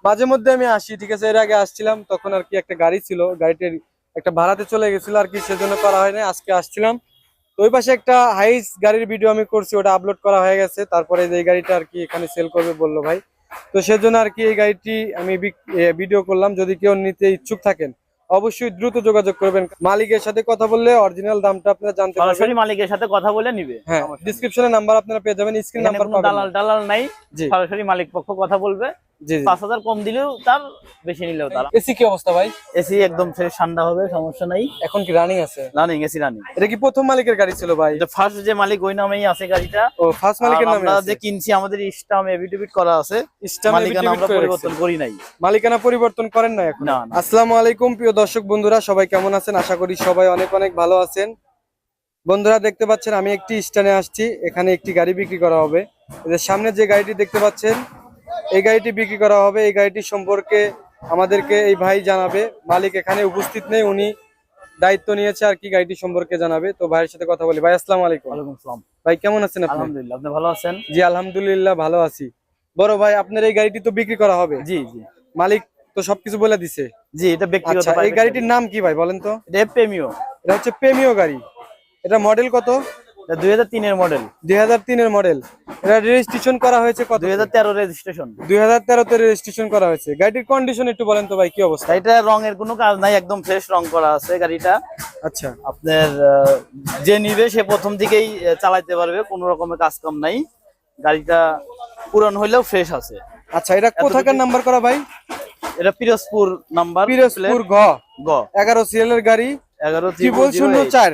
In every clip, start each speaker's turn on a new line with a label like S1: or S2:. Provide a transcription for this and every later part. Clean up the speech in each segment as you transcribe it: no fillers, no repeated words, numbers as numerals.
S1: মাঝে মধ্যে আমি আসি, ঠিক আছে। এর আগে আসছিলাম, তখন আর কি একটা গাড়ি ছিল, গাড়িটির একটা ভাড়াতে চলে গেছিল আর কি, সেজন্য করা হয় না। আজকে আসছিলাম, তো ওই পাশে একটা হাইস গাড়ির ভিডিও আমি করছি, ওটা আপলোড করা হয়ে গেছে। তারপরে এই গাড়িটা আর কি এখানে সেল করবে বললো ভাই, তো সেজন্য আর কি এই গাড়িটি আমি ভিডিও করলাম। যদি কেউ নিতে ইচ্ছুক থাকেন অবশ্যই দ্রুত যোগাযোগ করবেন। মালিকের সাথে কথা বললে অরিজিনাল দামটা আপনারা জানতে পারবেন,
S2: সরাসরি মালিকের সাথে কথা বলে নিবে।
S1: হ্যাঁ, ডিসক্রিপশনে নাম্বার আপনারা পেয়ে যাবেন, স্ক্রিন
S2: এখানে
S1: নাম্বার
S2: কোনো
S1: পাবেন না।
S2: দালাল টালাল নাই,
S1: জি
S2: সরাসরি মালিক পক্ষ কথা বলবে।
S1: জি জি।
S2: 5,000 কম দিলেও তার, বেশি নিলেও তার।
S1: এসি কি অবস্থা ভাই?
S2: এসি একদম ফ্রেশ ঠান্ডা হবে, সমস্যা নাই।
S1: এখন কি রানিং আছে?
S2: Running, AC running.
S1: এটা কি প্রথম মালিকের গাড়ি ছিল ভাই?
S2: এটা ফার্স্ট যে মালিক ওই নামেই আছে গাড়িটা।
S1: ও, ফার্স্ট মালিকের নামে
S2: আমরা
S1: আছে।
S2: যে কিনছি আমাদের স্টাম্প এফিডেভিট করা আছে,
S1: স্ট্যাম্প
S2: মালিকানা আমরা পরিবর্তন করি নাই।
S1: মালিকানা পরিবর্তন করেন না এখন?
S2: না না।
S1: আসসালামু আলাইকুম প্রিয় দর্শক বন্ধুরা, সবাই কেমন আছেন? আশা করি সবাই অনেক অনেক ভালো আছেন। বন্ধুরা দেখতে পাচ্ছেন আমি একটি স্ট্যান্ডে আসছি, এখানে একটি গাড়ি বিক্রি করা হবে। এদের সামনে যে গাড়িটি দেখতে পাচ্ছেন এই গাড়িটি বিক্রি করা হবে। এই গাড়িটি সম্পর্কে আমাদেরকে এই ভাই জানাবে। মালিক এখানে উপস্থিত নেই, উনি দায়িত্ব নিয়েছে আর কি গাড়িটি সম্পর্কে জানাবে। তো ভাইয়ের সাথে কথা বলি। ভাই আসসালামু আলাইকুম।
S2: ওয়ালাইকুম আসসালাম।
S1: ভাই কেমন আছেন আপনি?
S2: আলহামদুলিল্লাহ, আপনি ভালো আছেন?
S1: জি আলহামদুলিল্লাহ ভালো আছি। বড় ভাই, আপনার এই গাড়িটি তো বিক্রি করা হবে?
S2: জি জি
S1: মালিক তো সবকিছু বলে দিছে।
S2: জি, এটা ব্যক্তিগত।
S1: আচ্ছা, এই গাড়িটির নাম কি ভাই বলেন তো?
S2: এটা প্রেমিও।
S1: এটা হচ্ছে প্রেমিও গাড়ি। এটা মডেল কত?
S2: এটা 2003 এর মডেল।
S1: 2003 এর মডেল। এটা রেজিস্ট্রেশন করা হয়েছে কত?
S2: 2013 রেজিস্ট্রেশন।
S1: 2013 তে রেজিস্ট্রেশন করা হয়েছে। গাড়িটির কন্ডিশন একটু বলেন তো ভাই, কি অবস্থা?
S2: এটা রঙের কোনো কাজ নাই, একদম ফ্রেশ রং করা আছে গাড়িটা।
S1: আচ্ছা
S2: আপনার যে নিবে সে প্রথম থেকেই চালাতে পারবে, কোনো রকমের কাজ কাম নাই। গাড়িটা পুরান হইলেও ফ্রেশ আছে।
S1: আচ্ছা, এটা কোথাকার নাম্বার করা ভাই?
S2: এটা পিরোজপুর নাম্বার।
S1: পিরোজপুর গ 11 সিরিয়ালের গাড়ি, 1104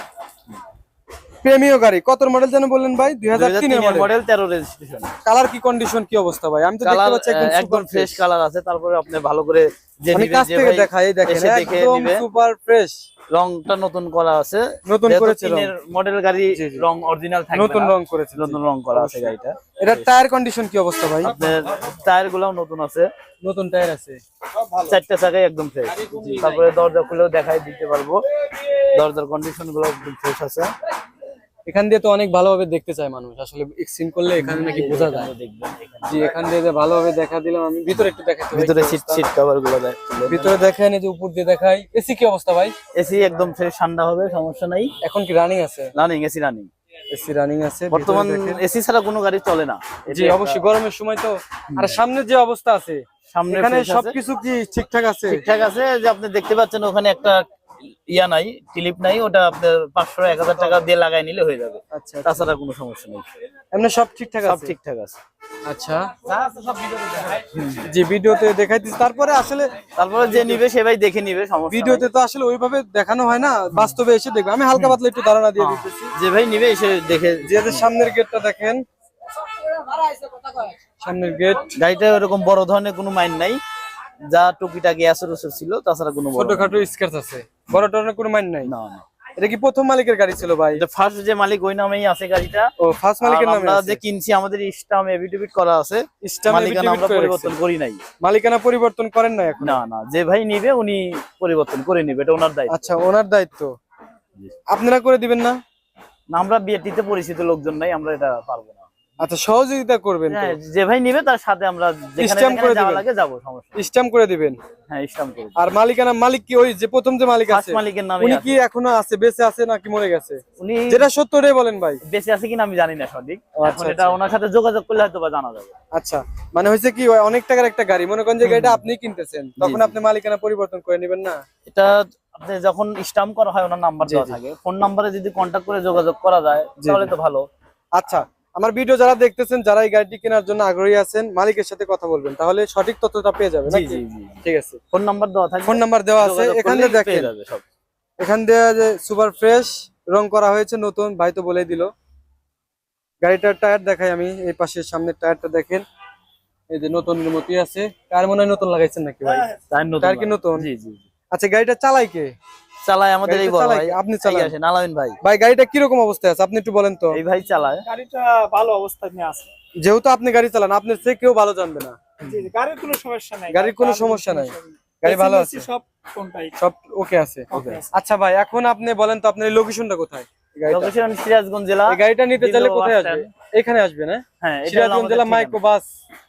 S1: প্রেমিও গাড়ি। কত মডেল জানেন বললেন ভাই? 2003 এর মডেল,
S2: 13 রেজিস্ট্রেশন।
S1: কালার কি কন্ডিশন কি অবস্থা ভাই? আমি তো দেখতে পাচ্ছি
S2: একদম ফ্রেশ কালার আছে। তারপরে আপনি ভালো করে যে
S1: আমি
S2: নিবেন,
S1: কাছ
S2: যে
S1: থেকে
S2: ভাই
S1: দেখাই, দেখেন
S2: এসে দেখে
S1: একদম
S2: নিবে।
S1: Super fresh.
S2: রংটা নতুন করা আছে,
S1: নতুন করেছে রং।
S2: মডেল গাড়ি,
S1: জি, জি।
S2: রং অরিজিনাল থাকবে
S1: নতুন
S2: না।
S1: রং করেছে,
S2: নতুন রং করা আছে গাড়িটা।
S1: এটা টায়ার কন্ডিশন কি অবস্থা ভাই?
S2: আপনার টায়ার গুলাও নতুন আছে,
S1: নতুন টায়ার আছে,
S2: 4টা চাকাই একদম ফ্রেশ। তারপরে দরজা খুলেও দেখাই দিতে পারবো, দরজার কন্ডিশন গুলো একদম ফ্রেশ আছে।
S1: এখান দিয়ে তো অনেক ভালোভাবে দেখতে চায় মানুষ, আসলে এক্সিন করলে এখানে নাকি বোঝা যায়।
S2: দেখবেন
S1: জি, এখান দিয়ে যে ভালোভাবে দেখা দিলাম আমি। ভিতরে একটু দেখাই তো ভাই,
S2: ভিতরে
S1: কি
S2: সিট
S1: অবস্থা?
S2: সিট কভার গুলো
S1: ভিতরে দেখাই না, যে উপর দিয়ে দেখাই। এসি কি অবস্থা ভাই?
S2: এসি একদম ফ্রেশ ঠান্ডা হবে, সমস্যা নাই।
S1: এখন কি রানিং আছে?
S2: Running, AC running.
S1: AC running আছে।
S2: বর্তমান
S1: ভিতরে দেখেন।
S2: এসি ছাড়া কোনো গাড়ি চলে না।
S1: জি অবশ্যই, গরমের সময় তো। আর সামনে যে অবস্থা আছে,
S2: সামনে
S1: এখানে
S2: fresh আছে।
S1: সবকিছু কি ঠিকঠাক আছে?
S2: ঠিকঠাক আছে। যে আপনি দেখতে পাচ্ছেন ওখানে একটা ইয়া নাই, ক্লিপ নাই, ওটা আপনার 500-1000 টাকা দিয়ে লাগাই নিলে হয়ে যাবে।
S1: আচ্ছা,
S2: তাছাড়া কোনো সমস্যা নেই,
S1: এমনি সব ঠিকঠাক
S2: সব
S1: আছে?
S2: ঠিকঠাক আছে।
S1: আচ্ছা
S2: যা আছে সব ভিডিওতে দেখাই।
S1: জি, ভিডিওতে দেখাই দিচ্ছি। তারপরে আসলে
S2: তারপরে যে নিবে সে ভাই দেখে নিবে, সমস্যা
S1: ভিডিওতে
S2: নাই।
S1: তো আসলে ওইভাবে দেখানো হয় না, বাস্তবে এসে দেখবে। আমি হালকা পাতলা একটু ধারণা দিয়ে দিতেছি।
S2: যে ভাই নিবে এসে দেখে।
S1: যে সামনের গেটটা দেখেন, সামনের গেট।
S2: গাড়িটা ওরকম বড় ধরনের কোনো মাইন্ড নাই, যা টুকিটাকি আসর ছিল, তাছাড়া কোনো বড়
S1: ছোটখাটো স্ক্র্যাচ আছে, বড় ধরনের কোনো মাইন নাই।
S2: না না।
S1: এটা কি প্রথম মালিকের গাড়ি ছিল ভাই?
S2: এটা ফার্স্ট যে মালিক ওই নামেই আছে গাড়িটা।
S1: ও, ফার্স্ট মালিকের নামে
S2: আমরা
S1: আছে।
S2: যে কিনছি আমাদের স্টাম্প এফিডেভিট করা আছে,
S1: স্ট্যাম্প
S2: মালিকানা আমরা পরিবর্তন করি নাই।
S1: মালিকানা পরিবর্তন করেন না এখন?
S2: না না, যে ভাই নিবে উনি পরিবর্তন করে নিবে, এটা ওনার দায়িত্ব।
S1: আচ্ছা, ওনার দায়িত্ব। আপনারা করে দিবেন না?
S2: না, আমরা বিয়েটিতে পরিচিত লোকজন নাই, আমরা এটা পারবো না।
S1: আচ্ছা, সহযোগিতা করবেন তো?
S2: হ্যাঁ, যে ভাই নিবে তার সাথে আমরা যেখানে
S1: স্ট্যাম্প করে
S2: যেখানে যাওয়া
S1: দিবেন?
S2: লাগে যাবো, সমস্যা নেই।
S1: স্ট্যাম্প করে দিবেন?
S2: হ্যাঁ, স্ট্যাম্প করে দিবেন।
S1: আর মালিকানা মালিক কি ওই যে প্রথম যে মালিক আছে
S2: ফার্স্ট মালিকের নামে
S1: উনি
S2: আছে।
S1: কি এখনো আছে, বেঁচে আছে নাকি মরে গেছে?
S2: উনি
S1: যেটা সত্য ওটাই বলেন ভাই।
S2: বেঁচে আছে কিনা আমি জানি না সঠিক।
S1: আচ্ছা,
S2: এখন এটা ওনার সাথে যোগাযোগ করলে হয়তো বা জানা যাবে।
S1: আচ্ছা, মানে হয়েছে কি, ওই অনেক টাকার একটা গাড়ি, মনে করেন যে গাড়িটা আপনি কিনতেছেন, তখন
S2: জি।
S1: আপনি মালিকানা পরিবর্তন করে নেবেন না?
S2: এটা আপনি যখন স্ট্যাম্প করা হয় ওনার নাম্বার
S1: জি,
S2: দেওয়া
S1: জি।
S2: থাকে, ফোন নাম্বারে যদি কন্ট্যাক্ট করে যোগাযোগ করা যায়
S1: জি,
S2: তাহলে
S1: জি।
S2: তো ভালো।
S1: আচ্ছা, আমার ভিডিও যারা দেখতেছেন, যারা এই গাড়িটি কেনার জন্য আগ্রহী আছেন, মালিকের সাথে কথা বলবেন, তাহলে সঠিক তথ্যটা পেয়ে যাবেন
S2: জি
S1: নাকি?
S2: জি জি।
S1: ঠিক আছে,
S2: ফোন নাম্বার দেওয়া থাকে,
S1: ফোন নাম্বার দেওয়া আছে।
S2: যোগাযোগ
S1: এখান
S2: করলেই
S1: দিয়ে
S2: পেয়ে
S1: দেখেন,
S2: যাবে সব।
S1: এখান দিয়ে যে সুপার ফ্রেশ রং করা হয়েছে, নতুন। ভাই তো বলে দিল। গাড়িটার টায়ার দেখাই আমি, এই পাশের সামনের টায়ারটা দেখেন, এই যে নতুন মতি আছে। টায়ার মনে হয় নতুন লাগাইছেন নাকি ভাই? টায়ার কি নতুন?
S2: জি জি জি।
S1: আচ্ছা, গাড়িটা চালাই কে?
S2: চালায় আমাদের এই
S1: গাড়িটা
S2: বড়
S1: চালায়
S2: ভাই।
S1: কে? আপনি চালান?
S2: আসেন আলামিন ভাই।
S1: ভাই গাড়িটা কিরকম অবস্থায় আছে আপনি একটু বলেন তো?
S2: এই ভাই চালায়।
S3: গাড়িটা ভালো অবস্থায় নিয়ে আছে।
S1: যেহেতু আপনি গাড়ি চালান, আপনার চেয়ে কেউ ভালো জানবে না।
S3: জি, জি, গাড়ির কোনো সমস্যা নাই।
S1: গাড়ির কোনো সমস্যা নাই, গাড়ি ভালো আছে,
S3: সব কোনটাই
S1: সব ওকে আছে।
S3: ওকে আছে।
S1: আচ্ছা ভাই, এখন আপনি বলেন তো আপনার লোকেশনটা কোথায়? এই গাড়িটা,
S2: লোকেশন সিরাজগঞ্জ জেলা।
S1: এই গাড়িটা নিতে চাইলে
S2: দিল্লি
S1: কোথায়
S2: বাস
S1: আসবে? এখানে আসবে না?
S2: হ্যাঁ, এটা
S1: সিরাজগঞ্জ জেলা মাইক্রো বাস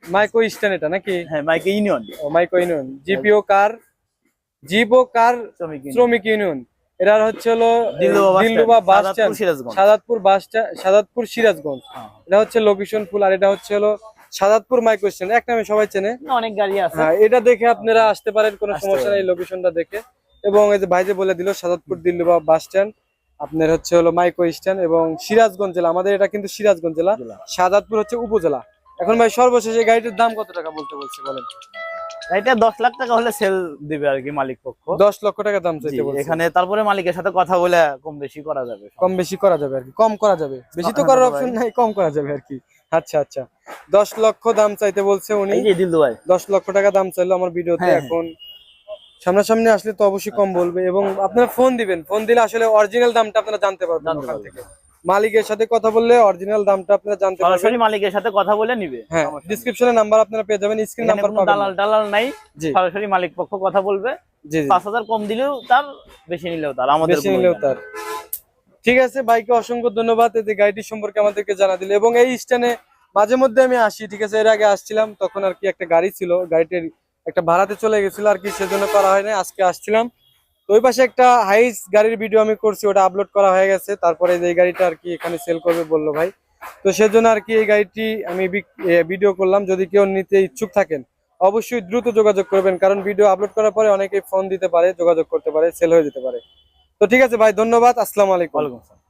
S1: মাইকো স্ট্যান্ড এটা নাকি?
S2: হ্যাঁ, মাইকে ইউনিয়ন
S1: মাইকো ইউনিয়ন, জিপিও কার শ্রমিক ইউনিয়ন। এরা হচ্ছে হলো দিলরুবা বাস স্ট্যান্ড, সাদাতপুর সিরাজগঞ্জ। এটা হচ্ছে লোকেশন ফুল, আর এটা হচ্ছে হলো সাদাতপুর মাইক্রো স্ট্যান্ড, এক নামে সবাই চেনে।
S2: অনেক গাড়ি আছে।
S1: হ্যাঁ, এটা দেখে আপনারা আসতে পারেন, কোনো সমস্যা নেই লোকেশনটা দেখে। এবং এই যে ভাই যে বলে দিল সাদাতপুর দিলরুবা বাস স্ট্যান্ড, আপনার হচ্ছে হলো মাইক্রো স্ট্যান্ড, এবং সিরাজগঞ্জ জেলা, আমাদের এটা কিন্তু সিরাজগঞ্জ জেলা, সাদাতপুর হচ্ছে উপজেলা। এখন ভাই সর্বশেষ এই গাড়িটির দাম কত টাকা বলতে বলছে বলেন?
S2: এটা 10 লাখ টাকা হলে সেল দিবে আর কি মালিক পক্ষ।
S1: 10 লক্ষ টাকা দাম চাইতে বলছে
S2: এখানে। তারপরে মালিকের সাথে কথা বলে কম বেশি করা যাবে,
S1: কম বেশি করা যাবে আর কি, কম করা যাবে, বেশি তো করার অপশন নাই, কম করা যাবে আর কি। আচ্ছা আচ্ছা, 10 লক্ষ দাম চাইতে বলছে উনি।
S2: এই যে দিলদু ভাই
S1: 10 লক্ষ টাকা দাম চাইলো আমার ভিডিওতে। এখন সামনাসামনি আসলে তো অবশ্যই কম বলবে, এবং আপনারা ফোন দিবেন, ফোন দিলে আসলে অরিজিনাল দামটা আপনারা জানতে পারবেন ওখান থেকে। মালিকের সাথে কথা বললে অরিজিনাল দামটা আপনারা জানতে পারবেন,
S2: সরাসরি মালিকের সাথে কথা বলে নিবে।
S1: হ্যাঁ, ডেসক্রিপশনে নাম্বার আপনারা পেয়ে যাবেন, স্ক্রিন নাম্বার পাবেন।
S2: দালাল নাই,
S1: জি
S2: সরাসরি মালিক পক্ষ কথা বলবে।
S1: জি,
S2: 5000 কম দিলেও তার, বেশি নিলেও তার, আমাদের
S1: বেশি নিলেও তার। ঠিক আছে, ভাইকে অসংখ্য ধন্যবাদ এই যে গাড়িটি সম্পর্কে আমাদেরকে জানা দিলে। এবং এই স্ট্যান্ডে মাঝে মধ্যে আমি আসি, ঠিক আছে, এর আগে আসছিলাম তখন আর কি একটা গাড়ি ছিল, গাড়িটির একটা ভাড়াতে চলে গেছিল আর কি, সেজন্য করা হয় না। আজকে আসছিলাম, তো ওই পাশে একটা হাইস গাড়ির ভিডিও আমি করছি, ওটা আপলোড করা হয়ে গেছে। তারপরে এই গাড়িটা আর কি এখানে সেল করবে বললো ভাই, তো সেজন্য আর কি এই গাড়িটি আমি ভিডিও করলাম। যদি কেউ নিতে ইচ্ছুক থাকেন অবশ্যই দ্রুত যোগাযোগ করবেন, কারণ ভিডিও আপলোড করার পরে অনেকেই ফোন দিতে পারে, যোগাযোগ করতে পারে, সেল হয়ে যেতে পারে। তো ঠিক আছে ভাই, ধন্যবাদ, আসসালামু আলাইকুম।